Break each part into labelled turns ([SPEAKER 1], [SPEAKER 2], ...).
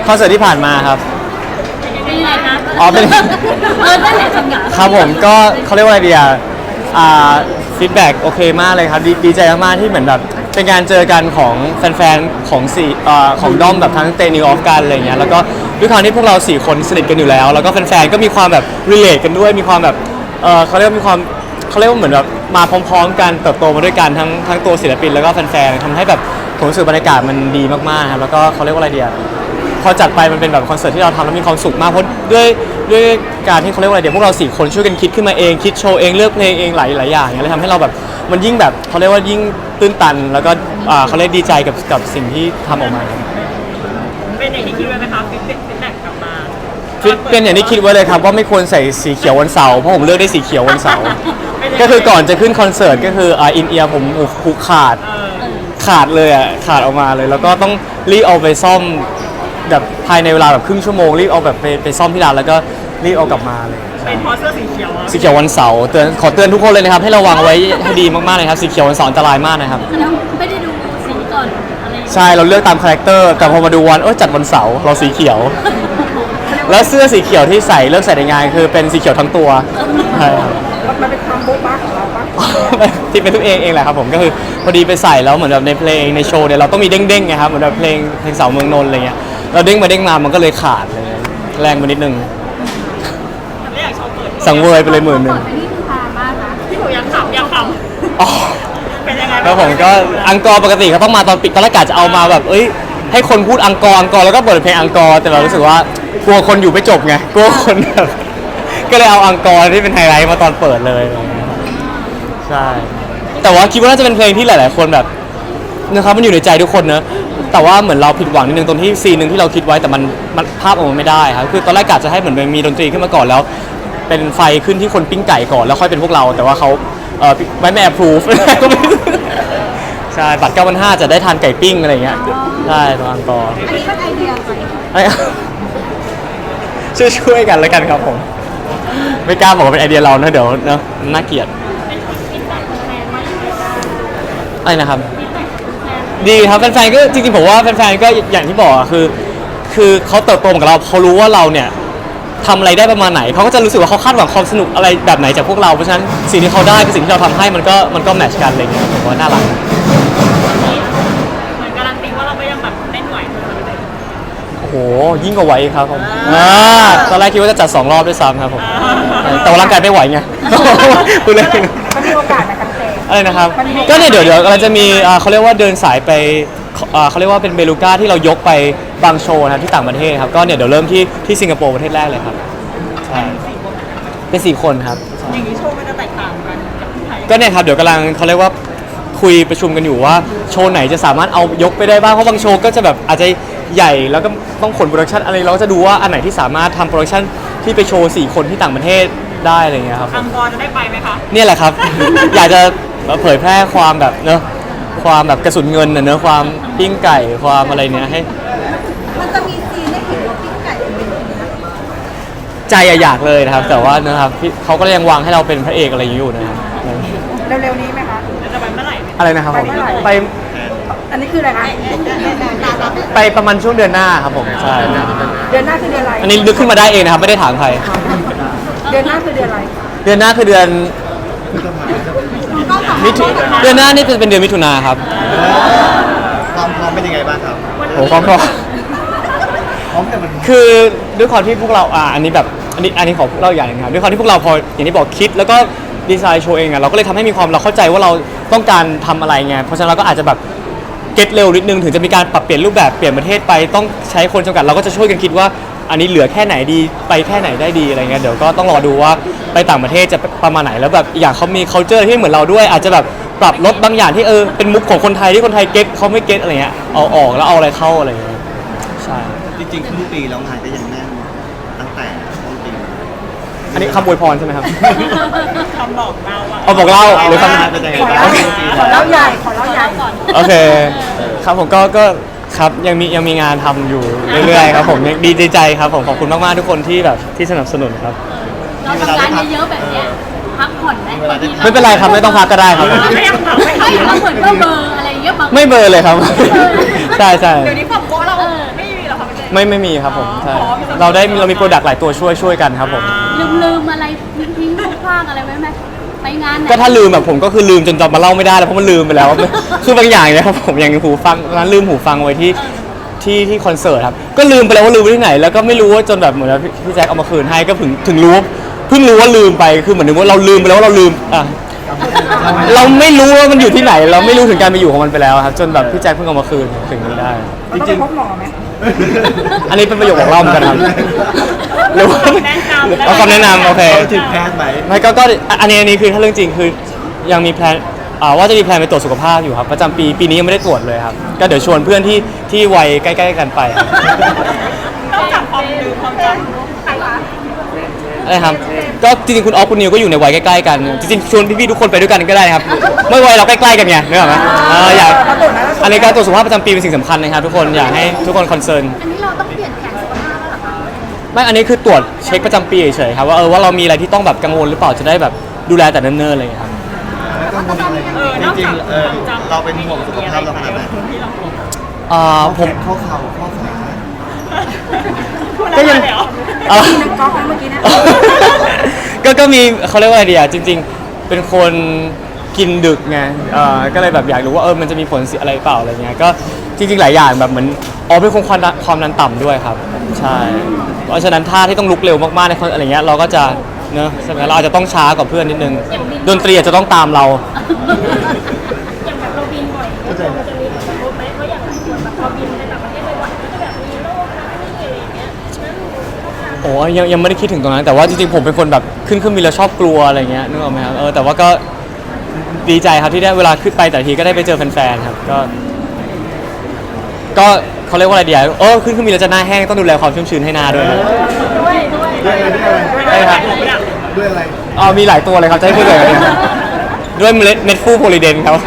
[SPEAKER 1] คอนเสิร์ตที่ผ่านมาครับ
[SPEAKER 2] เป็นยังไงนะ
[SPEAKER 1] อ๋อเป็น
[SPEAKER 2] นั่นแหละจังหวะ
[SPEAKER 1] ครับผมก็เขาเรียกว่าอะไรดีฟีดแบ็กโอเคมากเลยครับดีใจมากๆที่เหมือนแบบเป็นการเจอกันของแฟนๆของของด้อมแบบทั้งเตนิวออฟกันอะไรเงี้ยแล้วก็ด้วยความที่พวกเรา4คนสนิทกันอยู่แล้วแล้วก็แฟนๆก็มีความแบบรีเลทกันด้วยมีความแบบเขาเรียกว่ามีความเขาเรียกว่าเหมือนแบบมาพร้อมๆกันเติบโตมาด้วยกันทั้งตัวศิลปินแล้วก็แฟนๆทำให้แบบผมรู้สึกบรรยากาศมันดีมากๆครับแล้วก็เขาเรียกว่าอะไรดีพอจัดไปมันเป็นแบบคอนเสิร์ตที่เราทำแล้วมีความสุขมากเพราะด้วยการที่เขาเรียกว่าอะไรพวกเรา4คนช่วยกันคิดขึ้นมาเองคิดโชว์เองเลือกเพลงเองหลายอย่างเนี่ยเลยทำให้เราแบบมันยิ่งแบบเขาเรียกว่ายิ่งตื้นตันแล้วก็เขาเรียกดีใจกับสิ่งที่ทำออกมา
[SPEAKER 2] เป็นอย่างที่คิดไว้ไหมคะฟีดแบ็กกลับมา
[SPEAKER 1] เป็นอย่างที่คิดไว้เลยครับว่าไม่ควรใส่สีเขียววันเสาร์เพราะผมเลือกได้สีเขียววันเสาร์ก็คือก่อนจะขึ้นคอนเสิร์ตก็คืออินเอียร์ผมหูขาดเลยขาดออกมาเลยแล้วก็ต้องรีบเอาไปซ่อมแบบภายในเวลาแบบครึ่งชั่วโมงรีบเอาแบบไปซ่อมที่ร้านแล้วก็รีบเอากลับมาเลย
[SPEAKER 2] เป็นเพราะเสื้อสีเขียว
[SPEAKER 1] สีเขียววันเสาร์ขอเตือนทุกคนเลยนะครับให้ระวังไว้ให้ดีมากๆเลยครับสีเขียววันเสาร์อันตรายมากนะครับ
[SPEAKER 2] แล้วไม่ได้ดูสีก่อนอะไร
[SPEAKER 1] ใช่เราเลือกตามคาแรคเตอร์แต่พอมาดูวันจัดวันเสาร์เราสีเขียวแล้วเสื้อสีเขียวที่ใส่เลือกใส่ในงานคือเป็นสีเขียวทั้งตัวใช่ครับ
[SPEAKER 3] มันเป็นความโบ๊ะบ้าของเราปะ
[SPEAKER 1] ที่เป็นทุกเองแหละครับผมก็คือพอดีไปใส่แล้วเหมือนแบบในเพลงในโชว์เนี่ยเราต้องมีเด้งๆไงครับเหมือนแบบเพลงสาวเมืองนนท์อะไรเงี้ยเราเด้งมามันก็เลยขาดเลยแรงไปนิดนึง
[SPEAKER 2] ไม่อยากโชว์เปิด
[SPEAKER 1] สังเวยไปเลย10,000
[SPEAKER 2] นี่คือพามากนะที่ผมอยากขำ
[SPEAKER 1] อ๋อ
[SPEAKER 2] เป็นยังไง
[SPEAKER 1] แล้วผมก็อังกอร์ปกติเขาต้องมาตอนปิดตอนแรกกะจะเอามาแบบให้คนพูดอังกอร์แล้วก็เปิดเพลงอังกอร์แต่เรารู้สึกว่ากลัวคนอยู่ไม่จบไงกลัวคนแบบก็เลยเอาอังกอร์ที่เป็นไฮไลท์มาตอนเปิดเลยใช่แต่ว่าคิดว่าน่าจะเป็นเพลงที่หลายๆคนแบบนะครับมันอยู่ในใจทุกคนเนอะแต่ว่าเหมือนเราผิดหวังนิดนึงตรงที่ซีนนึงที่เราคิดไว้แต่มันภาพออกมาไม่ได้ครับคือตอนแรกกะจะให้เหมือนมีดนตรีขึ้นมาก่อนแล้วเป็นไฟขึ้นที่คนปิ้งไก่ก่อนแล้วค่อยเป็นพวกเราแต่ว่าเขาไม่แอปพรูฟใช่บัตร9,500จะได้ทานไก่ปิ้งอะไรเงี้ยใช่ตอนอังกอร์
[SPEAKER 2] อันนี้เป็นไอเดียไหม
[SPEAKER 1] ช่วยกันแล้วกันครับผมไม่กล้าบอกว่าเป็นไอเดียเรานะเดี๋ยวเนอะน่าเกลียดอะไรนะครับดีครับแฟนๆก็จริงๆผมว่าแฟนๆก็อย่างที่บอกคือเขาเติบโตกับเราเขารู้ว่าเราเนี่ยทำอะไรได้ประมาณไหนเขาก็จะรู้สึกว่าเขาคาดหวังความสนุกอะไรแบบไหนจากพวกเราเพราะฉะนั้นสิ่งที่เขาได้กับสิ่งที่เราทำให้มันก็แมทช์กันอะไรเงี้ยผมว่าน่ารัก
[SPEAKER 2] เหมือนการันตีว่าเราก็ยังแบบเล่นไหว
[SPEAKER 1] โอ้โหยิ่งกว่าไหวครับผมตอนแรกคิดว่าจะจัด2 รอบด้วยซ้ำครับผมแต่ว่าร่างกายไม่ไหวไงคุณเลย
[SPEAKER 3] มันมีโอกาสในการเตะ
[SPEAKER 1] อะไรนะครับก็เนี่ยเดี๋ยวเราจะมีเขาเรียกว่าเดินสายไปเขาเรียกว่าเป็นเบลูก้าที่เรายกไปบางโชว์นะครับที่ต่างประเทศครับก็เนี่ยเดี๋ยวเริ่มที่สิงคโปร์ประเทศแรกเลยครับใช่เป็น4 คนครับ
[SPEAKER 2] อย่างนี้โชว์มันจะแตกต่างกันกับที่ไทย
[SPEAKER 1] ก็เนี่ยครับเดี๋ยวกำลังเขาเรียกว่าคุยประชุมกันอยู่ว่าโชว์ไหนจะสามารถเอายกไปได้บ้างเพราะบางโชว์ก็จะแบบอาจจะใหญ่แล้วก็ต้องขนโปรดักชันอะไรเราก็จะดูว่าอันไหนที่สามารถทำโปรดักชันที่ไปโชว์4 คนที่ต่างประเทศได้อะไรเงี้ยครับ
[SPEAKER 2] อังกอร์จะได้ไปไหมคะ
[SPEAKER 1] เนี่ยแหละครับ อยากจะเผยแพร่ความแบบเนอะความแบบกระสุนเงินเนอะความปิ้งไก่ความอะไรเนี้ยให้
[SPEAKER 3] มันจะมีซีนได้เห็นว่าปิ้งไก่เป็น
[SPEAKER 1] ใจอยากเลยนะครับแต่ว่านะครับเขาก็ยังวางให้เราเป็นพระเอกอะไรอยู่นะครับ
[SPEAKER 3] เร็วๆนี้ไหมคะ
[SPEAKER 2] จะไปเมื่อไหร่
[SPEAKER 1] อะไรนะครับไป
[SPEAKER 3] อันนี้คืออะไรคะ
[SPEAKER 1] ไปประมาณช่วงเดือนหน้าครับผมใช่
[SPEAKER 3] เดือนหน้าคือเดือนอะไร
[SPEAKER 1] อันนี้นึกขึ้นมาได้เองนะครับไม่ได้ถามใคร
[SPEAKER 3] เดือนหน้าคือเดือนอะไร
[SPEAKER 1] เดือนหน้าคือเดือนเดือนหน้านี่เป็นเดือนมิถุนาครับ
[SPEAKER 4] ความพร้อมเป็นยังไงบ้างครับ
[SPEAKER 1] โอ้ความพร้อมคือด้วยความที่พวกเราอันนี้แบบอันนี้ขอเล่าอย่างนึงครับด้วยความที่พวกเราพออย่างที่บอกคิดแล้วก็ดีไซน์โชว์เองเราก็เลยทำให้มีความเราเข้าใจว่าเราต้องการทำอะไรไงเพราะฉะนั้นเราก็อาจจะแบบเก็ตเร็วนิดนึงถึงจะมีการปรับเปลี่ยนรูปแบบเปลี่ยนประเทศไปต้องใช้คนจำกัดเราก็จะช่วยกันคิดว่าอันนี้เหลือแค่ไหนดีไปแค่ไหนได้ดีอะไรเงี้ยเดี๋ยวก็ต้องรอดูว่าไปต่างประเทศจะประมาณไหนแล้วแบบอย่างเขามี culture ที่เหมือนเราด้วยอาจจะแบบปรับลดบางอย่างที่เป็นมุกของคนไทยที่คนไทยเก็ตเขาไม่เก็ตอะไรเงี้ยเอาออกแล้วเอาอะไรเข้าอะไรเงี้ยใช่
[SPEAKER 4] จริงๆครึ่งปีแล้วงานก็ยังแน่นตั้งแต่ต้นปี
[SPEAKER 1] อันนี้คำอวยพรใช่ไหมครับ
[SPEAKER 2] คำบอกเรา
[SPEAKER 1] บอกเล่าหรือคำ
[SPEAKER 4] เป็นยังไง
[SPEAKER 3] ขอเล่าใหญ่ก่อน
[SPEAKER 1] โอเคครับผมก็ครับยังมีงานทำอยู่เรื่อยๆครับผมดีใจครับผมขอบคุณมากๆทุกคนที่แบบที่สนับสนุนครับ
[SPEAKER 2] เราทำงานเยอะๆแบบนี้พักผ่อนไหม
[SPEAKER 1] ไม่เป็นไรครับไม่ต้องพักก็ได้ครับ
[SPEAKER 2] ไม่เหมือนก็เบอร์อะไรเงี้ย
[SPEAKER 1] ไม่เบอร์เลยครับใช่
[SPEAKER 2] เดี๋ยวนี้ความโก้เราไม่มีหรอครับ
[SPEAKER 1] ไม่มีครับผมใช่เรามีโปรดักต์หลายตัวช่วยกันครับผม
[SPEAKER 5] ลืมอะไรทิ้งๆคว้างๆอะไรไว้ไหมไปงานไหน
[SPEAKER 1] ก็ถ้าลืมแบบผมก็คือลืมจนจำมาเล่าไม่ได้แล้วเพราะมันลืมไปแล้ว คือบางอย่างเนี่ยครับผมอย่างหูฟังร้านลืมหูฟังไว้ที่คอนเสิร์ตครับก็ลืมไปแล้วว่าลืมไว้ที่ไหนแล้วก็ไม่รู้ว่าจนแบบเหมือนพี่แจ็คเอามาคืนให้ก็ถึงรู้เพิ่งรู้ว่าลืมไปคือเหมือนนึกว่าเราลืมไปแล้วว่าเราลืมเราไม่รู้ว่ามันอยู่ที่ไหน เราไม่รู้ถึงการไปอยู่ของมันไปแล้วครับจนแบบพี่แจ็คเพิ่งเอามาคืนถึงนี้ได้
[SPEAKER 3] เราต้องไปพบหมอไหม
[SPEAKER 1] อันนี้เป็นประโยคบอกเล่าเหมือนกันครับหรือว่า
[SPEAKER 2] แนะนำ
[SPEAKER 1] เอาคำแนะนำโอเค
[SPEAKER 4] ถึงแพทย์ไหม
[SPEAKER 1] ไม่ก็อันนี้คือถ้าเรื่องจริงคือยังมีแพลนว่าจะมีแพลนไปตรวจสุขภาพอยู่ครับประจำปีนี้ยังไม่ได้ตรวจเลยครับก็เดี๋ยวชวนเพื่อนที่วัยใกล้ๆกันไปครับ
[SPEAKER 2] ต้องจับความลืมความจำใครคะ
[SPEAKER 1] อะไรครับก็จริงๆคุณออฟคุณนิวก็อยู่ในวัยใกล้ๆกันจริงๆชวนพี่ๆทุกคนไปด้วยกันก็ได้นะครับเมื่อวัยเราใกล้ๆกันไงนึกออกไหมอยากอันนี้การตรวจสุขภาพประจำปีเป็นสิ่งสำคัญนะครับทุกคนอยากให้ทุกคนคอนเซิร์น
[SPEAKER 5] อันนี้เราต้องเปลี่ยนแผนสุขภาพแล้วเหรอคะ
[SPEAKER 1] ไม่อันนี้คือตรวจเช็คประจำปีเฉยๆครับว่าเรามีอะไรที่ต้องแบบกังวลหรือเปล่าจะได้แบบดูแลแต่เนิ่นๆอะไรอย่างเงี้ยครับ
[SPEAKER 2] นอก
[SPEAKER 4] จริง
[SPEAKER 2] จาก
[SPEAKER 4] ๆ
[SPEAKER 2] ความจำ
[SPEAKER 4] เราเป็นห่วงสุขภาพเราขนาดไหน
[SPEAKER 2] ที่เราห่วง
[SPEAKER 1] ผม
[SPEAKER 4] ข้อเข่าข้อขา
[SPEAKER 2] พูดแล้วมาเลยเหรอ
[SPEAKER 1] เอ่อ
[SPEAKER 3] นักกอล์ฟเมื่อกี้นะ
[SPEAKER 1] ก็มีเขาเรียกว่าอะไรดีอ่ะจริง ๆ เป็นคนกินดึกไงก็เลยแบบอยากรู้ว่ามันจะมีผลเสียอะไรเปล่าอะไรเงี้ยก็จริงๆหลายอย่างแบบเหมือนเป็นคนความดันต่ำด้วยครับใช่เพราะฉะนั้นท่าที่ต้องลุกเร็วมากๆในอะไรเงี้ยเราก็จะเนอะใช่ไหมเราอาจจะต้องช้ากว่าเพื่อนนิดนึงดนตรีอาจจะต้องตามเรา
[SPEAKER 5] อย่างแบบเราบินบ่อยเนี่ยมันจะมีผลกระทบไหมเพราะอย่างส่วนแบบพอบินไปต่างประเทศบ่อยๆมันก็จะแบบมีโรคนะนี่อะไรอย่างเงี้ยแล้ว
[SPEAKER 1] โอ้ยังไม่ได้คิดถึงตรงนั้นแต่ว่าจริงๆผมเป็นคนแบบขึ้นบินแล้วชอบกลัวอะไรเงี้ยนึกออกไหมครับแต่ว่าก็ดีใจครับที่ได้เวลาขึ้นไปแต่ทีก็ได้ไปเจอแฟนๆครับก็เขาเรียกว่าอะไรดีอ่ะขึ้นบินแล้วจะหน้าแห้งต้องดูแลความชุ่มชื้นให้หน้าด้วยนะ
[SPEAKER 5] ด้วย
[SPEAKER 1] ใช่ครับ
[SPEAKER 4] ด้วยอะไร
[SPEAKER 1] มีหลายตัวเลยครับจะให้พูดเลยเนี่ยด้วยเม็ดฟูโพลิเดนครับ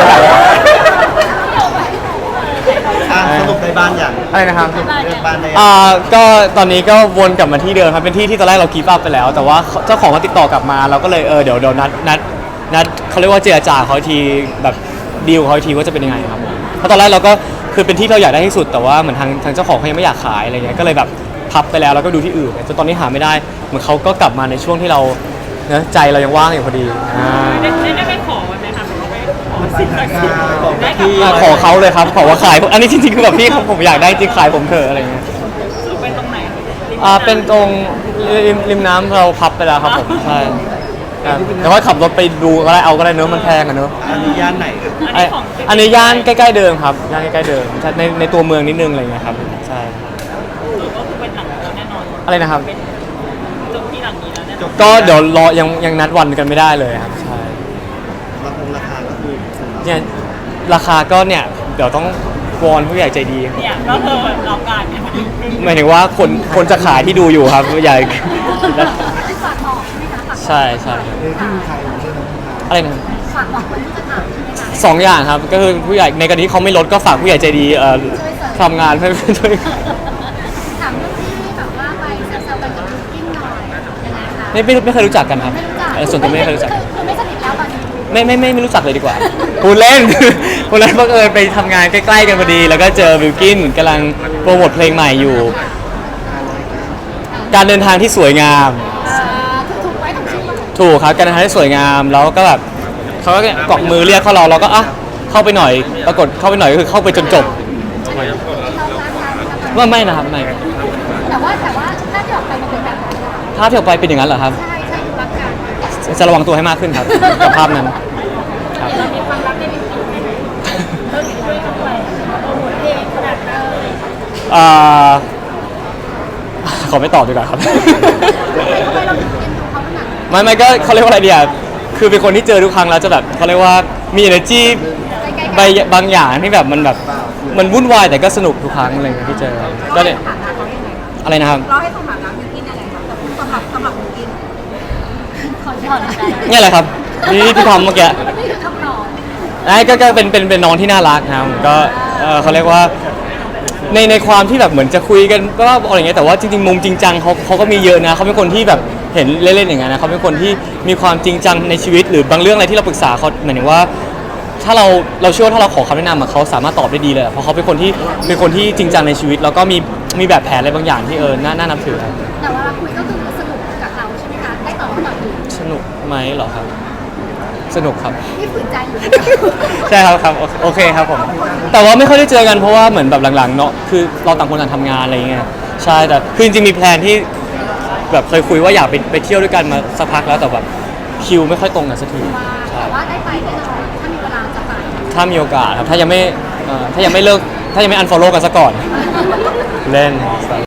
[SPEAKER 4] สรุปในบ้านอย่าง
[SPEAKER 1] อะไรนะครับ
[SPEAKER 4] เลือกบ้านได้ยัง
[SPEAKER 1] ก็ตอนนี้ก็วนกลับมาที่เดิมครับเป็นที่ตอนแรกเรากีฟอัพไปแล้ว แต่ว่าเจ้าของมาติดต่อกลับมาเราก็เลยเดี๋ยวนัดเขาเรียกว่าเจรจาเขาอีกทีแบบดีลเขาอีกทีว่าจะเป็นยังไงครับเพราะตอนแรกเราก็คือเป็นที่เราอยากได้ที่สุดแต่ว่าเหมือนทางเจ้าของเขายังไม่อยากขายอะไรเงี้ยก็เลยแบบพับไปแล้วก็ดูที่อื่นจนตอนนี้หาไม่ได้เหมือนเขาก็กลับมาในช่วงที่เราเนอะใจเรายังว่างอยู่พอดี
[SPEAKER 2] ได้ไปขอไว้ไหมคะหรือว่าไปขอสิ่งศักดิ์สิทธิ์ได้กลับมา
[SPEAKER 1] ขอเขาเลยครับขอว่าขายอันนี้จริงๆคือแบบพี่ครับผมอยากได้จริงขายผมเถอะอะไรเงี้ย
[SPEAKER 2] เป็นตรงไหน
[SPEAKER 1] เป็นตรงริมน้ำเราพับไปแล้วครับผมใช่ครับแต่ว่าขับรถไปดูก็ได้ก็ได้เนอะมันแพงอะเนอะ
[SPEAKER 4] อันนี้ย่านไหน
[SPEAKER 1] อันนี้ย่านใกล้ๆเดิมครับย่านใกล้ๆเดิมใช่ในตัวเมืองนิดนึงอะไรเงี้ยครับใช่
[SPEAKER 2] ก็คือเป็นหลังแล้วแน่นอน
[SPEAKER 1] อะไรนะครับ
[SPEAKER 2] เป็นจบที่หลังนี้แล้วแน่นอน
[SPEAKER 1] ก็เดี๋ยวรอยังนัดวันกันไม่ได้เลยครับใช่
[SPEAKER 4] ราคาก็คือ
[SPEAKER 1] เนี่ยราคาก็เนี่ยเดี๋ยวต้องวอนผู้ใหญ่ใจดี
[SPEAKER 2] เนี่ยก็คือเราการเนี่ย
[SPEAKER 1] หมายถึงว่าคนจะขายที่ดูอยู่ครับผู้ใหญ่
[SPEAKER 5] ฝากบอกใช่ไหมคะฝาก
[SPEAKER 1] ใช่ใช่อะไรนะ
[SPEAKER 5] ฝากบอกคนที่จะถามใช่ไหมคะ
[SPEAKER 1] สองอย่างครับก็คือผู้ใหญ่ในกรณีที่เขาไม่ลดก็ฝากผู้ใหญ่ใจดีทำงานให้ช่วย
[SPEAKER 5] ถามเรื่องที่แบบว่าไปแซวๆกันกับลูกกิ้งหน่อยยังไงคะ
[SPEAKER 1] ไม่เคยรู้จักกันครับ
[SPEAKER 5] ไม่รู้จัก
[SPEAKER 1] ส่วนตัวไม่เคยรู้จัก
[SPEAKER 5] คือไม่สนิทแล้วตอนนี้
[SPEAKER 1] ไม่รู้จักเลยดีกว่าพูดเล่น พูดเล่นบังเอิญไปทำงานใกล้ๆกันพอดี แล้วก็เจอบิลกินกำลังโปรโมทเพลงใหม่อยู่ การเดินทางที่สวยงาม
[SPEAKER 5] ถูกไว้ถูกชื่อมา
[SPEAKER 1] ถูกครับการเดินทางที่สวยงามแล้วก็แบบเขาก็เกาะมือเรียกเราก็เข้าไปหน่อยปรากฏเข้าไปหน่อยก็คือเข้าไปจนจบ
[SPEAKER 5] เราล้างเท้า
[SPEAKER 1] ว่าไม่นะครับไม่
[SPEAKER 5] แต่ว่าภาพที่ออกไปมันเป็นแบบนั้น
[SPEAKER 1] ภาพที่ออกไปเป็นอย่างนั้นเหรอครับ
[SPEAKER 5] ใช่ดูรักกัน
[SPEAKER 1] จะระวังตัวให้มากขึ้นครับกับภาพนั้นครับ
[SPEAKER 5] เรามีความรักได้เป็นปีไหมเราถึงช่วยเขาด้วยโปรโมทเพลงขนาดนั้นเลย
[SPEAKER 1] ขอไม่ตอบดีกว่าครับ
[SPEAKER 5] ทำไมเราถึงเอ็นดูเขาขนาดนั้น
[SPEAKER 1] ไม่ก็เขาเรียกว่าอะไรดีอ่ะคือเป็นคนที่เจอทุกครั้งแล้วจะแบบเขาเรียกว่ามี energy บางอย่างที่แบบมันวุ่นวายแต่ก็สนุกทุกครั้งอะไรอย่างเงี้ยที่เจอก็เนี่ย
[SPEAKER 3] ฐานะเขายังไงคะ
[SPEAKER 1] อะไรนะครับ
[SPEAKER 3] เราให้สถานะบิวกินยังไงคะสำหรับบิวกิน
[SPEAKER 5] ขอถอนใจ
[SPEAKER 1] เนี่ยแหละครับนี่ที่ทำเมื่อกี้
[SPEAKER 5] นี่คือคำนอง
[SPEAKER 1] ไอ้ก็เป็นน้องที่น่ารักนะครับก็เขาเรียกว่าในความที่แบบเหมือนจะคุยกันก็อะไรอย่างเงี้ยแต่ว่าจริงๆมุมจริงจังเขาก็มีเยอะนะเขาเป็นคนที่แบบเห็นเล่นๆอย่างเงี้ยนะเขาเป็นคนที่มีความจริงจังในชีวิตหรือบางเรื่องอะไรที่เราปรึกษาเขาหมายถึงว่าถ้าเราเชื่อว่าถ้าเราขอคำแนะนำอะเขาสามารถตอบได้ดีเลยอะเพราะเขาเป็นคนที่จริงจังในชีวิต แล้วก็มีแบบแผนอะไรบางอย่างที่น่านับถือครับ
[SPEAKER 3] แต่ว่าเราคุยก็คือสนุกกับเราใช่ไหมคะได้ตอบคำตอบดี
[SPEAKER 1] สนุกไหมเหรอครับ สนุกครับ
[SPEAKER 3] นี่ฝืนใจอยู่
[SPEAKER 1] ใช่ครับโอเคครับผม แต่ว่าไม่ค่อยได้เจอกันเพราะว่าเหมือนแบบหลังๆเนาะคือเราต่างคนต่างทำงานอะไรอย่างเงี้ยใช่แต่คือจริงๆมีแพลนที่แบบเคยคุยว่าอยากไปเที่ยวด้วยกันมาสักพักแล้วแต่แบบคิวไม่ค่อยตรงกันสักทีใช่
[SPEAKER 3] แต่ว่าได้ไปแน่นอนถ้ามีเวลาจะไป
[SPEAKER 1] ถ้ามีโอกาสครับถ้ายังไม่เลิกถ้ายังไม่ unfollow กันซะก่อนเล่น